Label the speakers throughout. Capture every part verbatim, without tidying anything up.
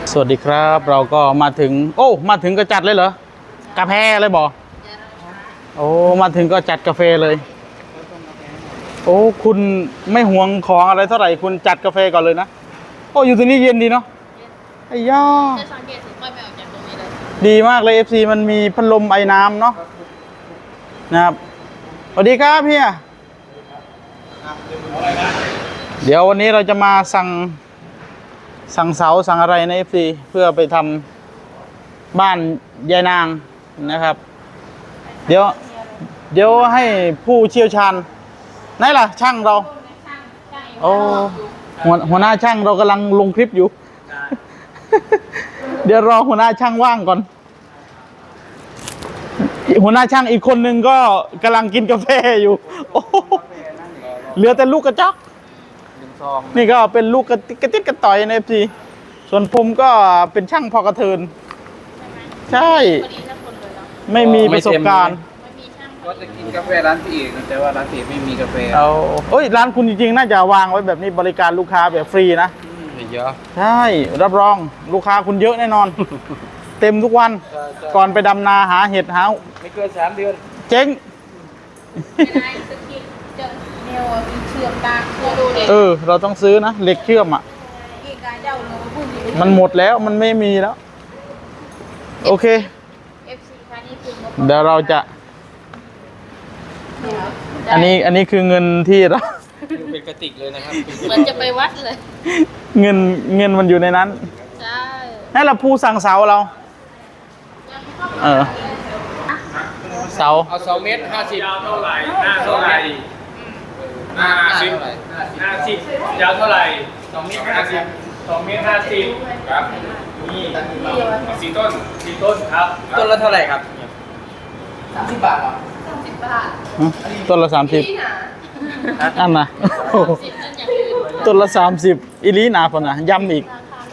Speaker 1: สวัสดีครับเราก็มาถึงโอ้มาถึงก็จัดเลยเหรอกาแฟเลยบอกโอ้มาถึงก็จัดกาแฟเลยโอ้คุณไม่หวงของอะไรเท่าไหร่คุณจัดกาแฟก่อนเลยนะโอ้อยู่ตรงนี้เย็นดีเนาะไอ้ย่า
Speaker 2: จะสังเกตถึงค่อยไปออกจากตรงนี้เลย
Speaker 1: ดีมากเลย เอฟ ซี มันมีพัดลมไอ้น้ำเนาะนะครับสวัสดีครับพี่เดี๋ยววันนี้เราจะมาสั่งสั่งเสาสั่งอะไรใน เอฟ ซี เพื่อไปทำบ้านยายนางนะครับเดี๋ยวเดี๋ยวให้ผู้เชี่ยวชาญไหนล่ะช่างเราโอ้หัวหัวหน้าช่างเรากำลังลงคลิปอยู่ เดี๋ยวรอหัวหน้าช่างว่างก่อนหัวหน้าช่างอีกคนนึงก็กำลังกินกาแฟอยู่โอ้เหลือแต่ลูกกระจอกนี่ก็เป็นลูกกระติกกระติดกระต่อยใน เอฟ ซี ส่วนผมก็เป็นช่างพอกระเทินใช่ไม่มีประสบการณ์
Speaker 3: ก็จะกินกาแฟร้านพี่เอกแต่ว่าร้านพี่เอกไม่มีกาแฟ
Speaker 1: เอาเอ้ยร้านคุณจริงๆน่าจะวางไว้แบบนี้บริการลูกค้าแบบฟรีนะ
Speaker 3: เยอะ
Speaker 1: ใช่รับรองลูกค้าคุณเยอะแน่นอน เต็มทุกวันก่อนไปดำนาหาเห็ดหา
Speaker 3: ไม่เกินสามเดือน
Speaker 1: เจ๊งเออเราต้องซื้อนะเหล็กเชื่อมอ่ะมันหมดแล้วมันไม่มีแล้วโอเคเดี๋ยวเราจะอันนี้อันนี้คือเงินที่เรา
Speaker 3: เป็นกระติกเลยนะครับ
Speaker 2: เหมือนจะไปวัดเลย
Speaker 1: เงินเงินมันอยู่ในนั้น
Speaker 2: ใช่
Speaker 1: ให้เราผู้สั่งเสาเราเออเสา
Speaker 3: เอาสองเมตรห้าสิบ
Speaker 4: ยาวเท่าไหร่หน้าเท่าไหร่หน้าสิบหน้าสิบยาวเท่าไหร่สองเมตรห้าสิบสองเมตรห้าสิบครับนี่สี่ต้นสี่ต้นครับ
Speaker 3: ต้นละเท่าไหร่ครับสามสิบบาทเหรอ
Speaker 2: สามสิบบาท
Speaker 1: ต้นละสามสิบอันน่ะต้นละสามสิบอีลีนาพอนะย้ำอีก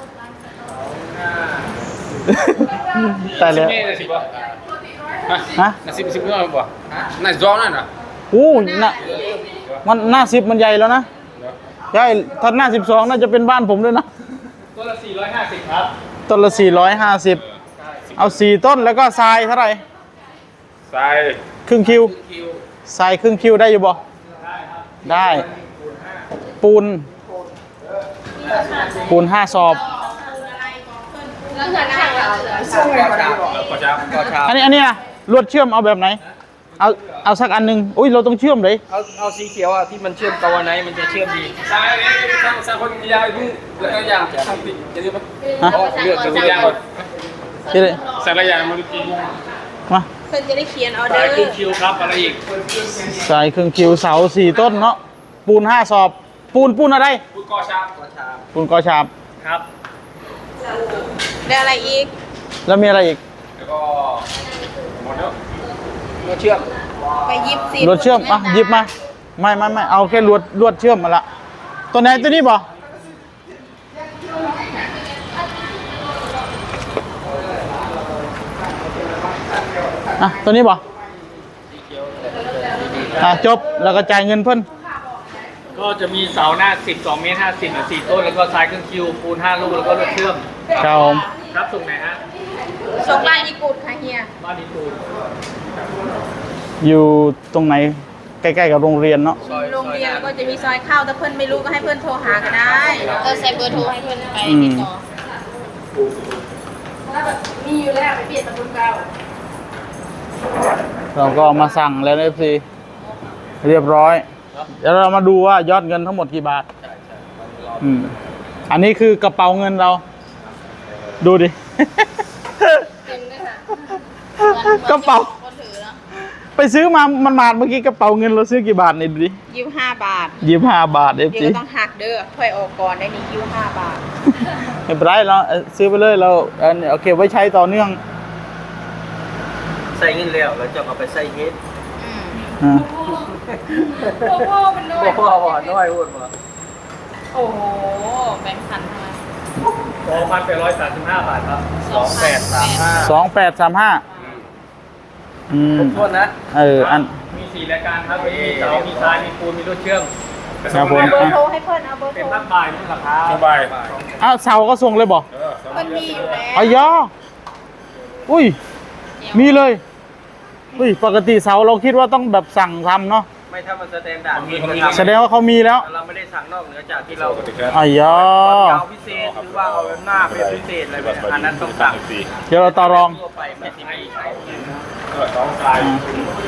Speaker 1: แต่แล้วฮะ
Speaker 4: หน้าสิบสิบเท่าไหร่บ่หน้าจ้องนั่นน่ะ
Speaker 1: โอ้หน้ามันหน้าสิบมันใหญ่แล้วนะใช่ถ้าหน้าสิบสองน่าจะเป็นบ้านผมด้วยนะ
Speaker 4: ต้นละสี่ร้อยห้าสิบครับ
Speaker 1: ต้นละสี่ร้อยห้าสิบเอาสี่ต้นแล้วก็ทรายเท่าไหร่
Speaker 4: ทราย
Speaker 1: ครึ่งคิวทรายครึ่งคิวได้อยู่บ่ได้ปูนปูนห้าสอบอันนี้อันนี้อะลวดเชื่อมเอาแบบไหนเอาเอาสักอันหนึ่งอุ้ยเราต้องเชื่อมเลย
Speaker 3: เอาเอาสีเขียวอ่ะที่มันเชื่อมตะวันไหนมันจะเชื่อมดี
Speaker 4: ทรายนี่สร้างสร้างคนยาวพึ่งแล้วก็ยางทำติดจะเรียกว่าเลือกจะยางก่อนใส่ระยะมันจริง
Speaker 1: มา
Speaker 2: เพื่อนจะได้เขียนออเดอร์
Speaker 4: สายครึ่งคิวครับอะไรอีก
Speaker 1: สายครึ่งคิวเสาสี่ต้นเนาะปูนห้าสอบปูนปูนอะไร
Speaker 4: ปูนกอชาบ
Speaker 1: ปูนกอชาบ
Speaker 4: ครับ
Speaker 2: ได้อะไรอีก
Speaker 1: แล้วมีอะไรอีก
Speaker 4: แล้วก็หมดแล้ว
Speaker 3: รถเชื่อม
Speaker 2: ไปยิบสิ
Speaker 1: ลวดเชื่อมอ่ะหยิบมาไม่ไม่ไม่เอาแค่ลวดลวดเชื่อมมาละตัวไหนตัวนี้บ่อ่ะตัวนี้บ่อ่ะจบแล้วก็จ่ายเงินเพิ่น
Speaker 4: ก็จะมีเสาหน้าสิบสองเมตรห้าสิบหรือสี่ต้นแล้วก็ทรายครึ่งคิวปูนห้าลูกแล้วก็รถเชื่อม
Speaker 1: ครับผม
Speaker 4: ครับส่งไหนฮะ
Speaker 2: ส่งบ้านอีกูดค่ะเฮีย
Speaker 4: บ้านอีกูด
Speaker 1: อยู่ตรงไหนใกล้ๆกับโรงเรียนเนาะ
Speaker 2: โรงเรียนก็จะมีซอยเข้าถ้าเพื่อนไม่รู้ก็ให้เพื่อนโทรหาก็ได้เออใส่เบอร์โทรให้เพื่อนไปติดต่อมีอยู่แล้วไปเปลี่ยนตะบุญเก่า
Speaker 1: เราก็มาสั่งแล้ว เอฟ ซี เรียบร้อยเดี๋ยวเรามาดูว่ายอดเงินทั้งหมดกี่บาทอืมอันนี้คือกระเป๋าเงินเราดูดิกระเป๋าไปซื้อมามันมาเมื่อกี้กระเป๋าเงินเราซื้อกี่บาทนี่ดูดิ
Speaker 2: ยี่สิบห้าบาท
Speaker 1: ยี่สิบห้าบาทเอฟ
Speaker 2: ซี เดี๋ยวต้องหักเด้อค่อยออกก่อนได้นี่ยี่สิบห้าบาท
Speaker 1: ไม่เป็นไรเราซื้อไปเลยเราโอเคไว้ใช้ต่อเนื่อง
Speaker 3: ใส่เงินแล้วเราจะเอาไปใส่เฮ็ด
Speaker 1: อืม
Speaker 2: พ่อมันด้วย
Speaker 3: พ่อพ่อน้อยพูดมา
Speaker 2: โอ้โหแบงค์พันทำไม
Speaker 4: สองพันแปดร้อยสามสิบห้าบาทครับสองแปดสามห้า
Speaker 1: สองแปดสามห้าอืม
Speaker 3: โทษนะ
Speaker 1: เอออัน
Speaker 4: มีสี่รายการครับมีเสามีทรายมีปูนมีรถเชื่อม
Speaker 1: ครับผม
Speaker 2: เบอร์โทรให้เพื่อนเอาเบอร์โทร
Speaker 4: เป็นพักบ่ายนี่ราคา
Speaker 1: บ่ายอ้าวเสาก็ส่งเลยบอก
Speaker 4: เออ
Speaker 2: เพิ่นมีอยู่แล้ว
Speaker 1: อายออุ้ยมีเลยอุ้ยปกติเสาเราคิดว่าต้องแบบสั่งทำเนาะ
Speaker 3: ไม่ถ้ามันแสดงด่านมีคน
Speaker 1: แสดงว่าเขามีแล้ว
Speaker 3: เราไม่ได้สั่งนอกเหนือจากที่เรา
Speaker 1: อายอ
Speaker 3: เอาพิเศษหรือว่าเอาหน้าเป็นพิเศษอะไรแบบอันนั้นต้องสั่ง
Speaker 1: เดี๋ยวเราต่อรอง
Speaker 3: ทั่วไปไม่ที่ไม่ใช้
Speaker 4: สองทราย
Speaker 1: นะ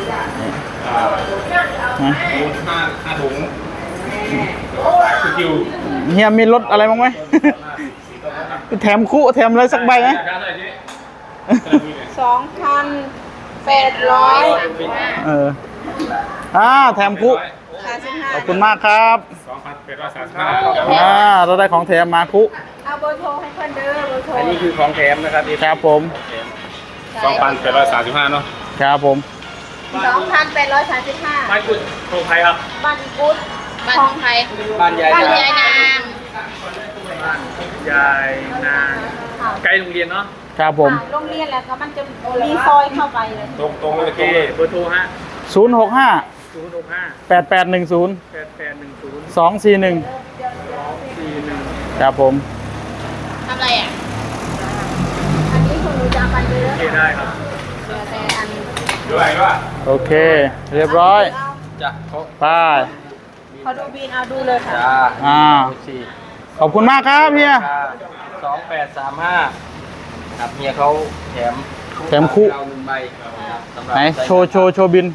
Speaker 4: ห้าห้าถุงสกิล
Speaker 1: เฮียมีรถอะไรบ้างไหม แถมคู่แถมอะไรสักใบไหม
Speaker 2: สองพันแปดร้อย
Speaker 1: เอออ่าแถมคู่
Speaker 2: สามสิบห้า
Speaker 1: ขอบคุณมากครับ
Speaker 4: สองพันแปดร้อยสามสิบห้า
Speaker 1: อ่าเราได้ของแถมมาคู่
Speaker 2: เอาเบอร์โทรให้เพิ่นเด้อเบอร์โทร
Speaker 3: อันนี้คือของแถมนะครับ
Speaker 1: ครับผม
Speaker 4: สองพันแปดร้อยสามสิบห้าเนาะ
Speaker 1: ครับผม
Speaker 2: สองพันแปดร้อยสามสิบห้า
Speaker 4: บ้านคุณโทรใครครับ
Speaker 2: บ้านกุดบ้านไทย
Speaker 3: บ้านยาย
Speaker 2: บ้าน
Speaker 3: นาย
Speaker 2: ายนาง
Speaker 4: ยายนางใกล้โรงเรียนเนาะ
Speaker 1: ครับผม
Speaker 2: โรงเรียนแล้วก็มันจะมีซอยเข้าไปเลย
Speaker 4: ตรงตรงโอเคเบอร์โทรฮะ
Speaker 1: ศูนย์หกห้า
Speaker 4: ศูนย์หกห้า
Speaker 1: แปดแปดหนึ่งศูนย์
Speaker 4: แปดแปดหนึ่งศูนย์
Speaker 1: สองสี่หนึ่ง
Speaker 4: สี่หนึ่ง
Speaker 1: ครับผม
Speaker 2: ทำอะไรอ่ะ อันนี้คุณหนูจะเอาไปเย
Speaker 4: โอ
Speaker 2: อะ
Speaker 4: เคได้ครับ
Speaker 2: เหลือแต่อัน
Speaker 4: ด้วยด้วย
Speaker 1: โอเค เรียบร้อย
Speaker 3: จ้ะเขา
Speaker 1: ไป
Speaker 2: เขาดูบินเอาดูเลยค่ะ
Speaker 3: จ้า
Speaker 1: อ่า
Speaker 3: สี่
Speaker 1: ขอบคุณมากครับเฮีย
Speaker 3: สองแปดสามห้าครับเมียเขาแถม
Speaker 1: แถมคู่
Speaker 3: เราหนึ่งใบสำรับ
Speaker 1: ไหนโชว์โชว์โชว์บิน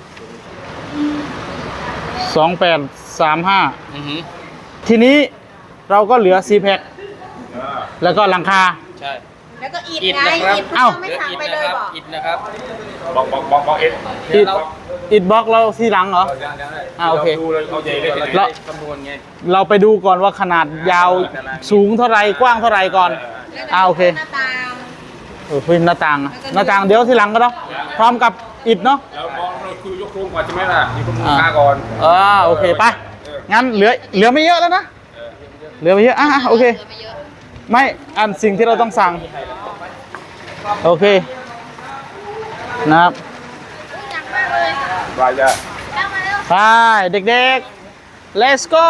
Speaker 1: สองแปดสามห้า
Speaker 3: อือหือ
Speaker 1: ทีนี้เราก็เหลือซีแพ็คแล้วก็หลังคา
Speaker 3: ใช่
Speaker 2: แล้วก็อิด
Speaker 3: อิฐ
Speaker 2: ไง
Speaker 3: นะครับ
Speaker 2: อิด
Speaker 1: เอ้า
Speaker 2: ไม่
Speaker 3: เหลือ
Speaker 2: สั่ง
Speaker 3: อิฐ
Speaker 2: ไป
Speaker 3: นะ
Speaker 2: เลย
Speaker 3: ครับ
Speaker 2: บอก
Speaker 3: อิฐนะครับ
Speaker 4: บอกบอกบอกบอกเอ็ด
Speaker 1: อิด
Speaker 3: เรา
Speaker 1: อิดบล็อกเราที่หลังเหรอ อ่าโอเค
Speaker 4: ดูเลยเอาใจได้
Speaker 3: เรา
Speaker 4: เลย
Speaker 3: จะได้คำนวณไง
Speaker 1: เราไปดูก่อนว่าขนาดยาวสูงเท่าไรกว้างเท่าไรก่อน อ่าโอเค
Speaker 2: หน้าต่าง
Speaker 1: เออพื้นหน้าต่างอะหน้าต่างเดี๋ยวทีหลังก็เนาะพร้อมกับอิฐเนาะ
Speaker 4: แล้วมองเราคุยยกโครงก่อนใช่ไหมล่ะมีข้อมูลค่าก่อน
Speaker 1: อ่าโอเคไปงั้นเหลือเหลือไม่เยอะแล้วนะเหลือไม่เยอะอ่ะอ่ะโอเค ไม่อันสิ่งที่เราต้องสั่งโอเคนะครับ
Speaker 2: หนักมากเลย
Speaker 4: รายได้
Speaker 2: ตั้งมาแล้ว
Speaker 1: ไปเด็กๆ let's go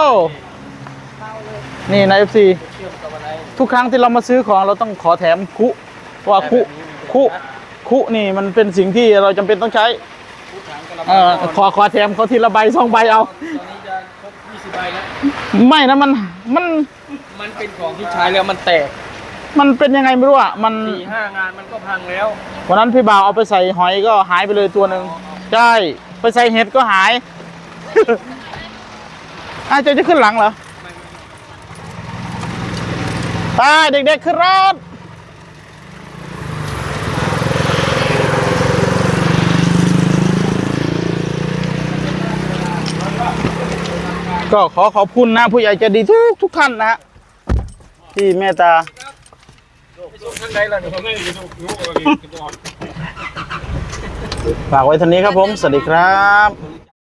Speaker 1: นี่นะ เอฟ ซี ทุกครั้งที่เรามาซื้อของเราต้องขอแถมคุเพราะว่าคุคุคุนี่มันเป็นสิ่งที่เราจำเป็นต้องใช้เออขอขอแถมเขาทีละใบสองใบเอา
Speaker 3: ตอนนี้จะครบยี่สิบใบแล้ว
Speaker 1: ไม่นะมันมัน
Speaker 3: มันเป็นของที่ใช้แล้วมันแตก
Speaker 1: มันเป็นยังไงไม่รู้อ่ะมัน
Speaker 3: สี่ห้างานมันก็พังแล้ว
Speaker 1: วันนั้นพี่บ่าวเอาไปใส่หอยก็หายไปเลยตัวหนึ่งใช่ไปใส่เห็ดก็หาย อาจจะจะขึ้นหลังเหรอไปเด็กๆขึ้นรถก็ขอขอบคุณนะผู้ใหญ่ใจดีทุกทุกท่านนะฮะที่เมตตา
Speaker 4: ข้างในล่ะเดี๋ยวผมไม่ได้ดูดูก่อน
Speaker 1: ฝากไว้เท่านี้ครับผม สวัสดีครับ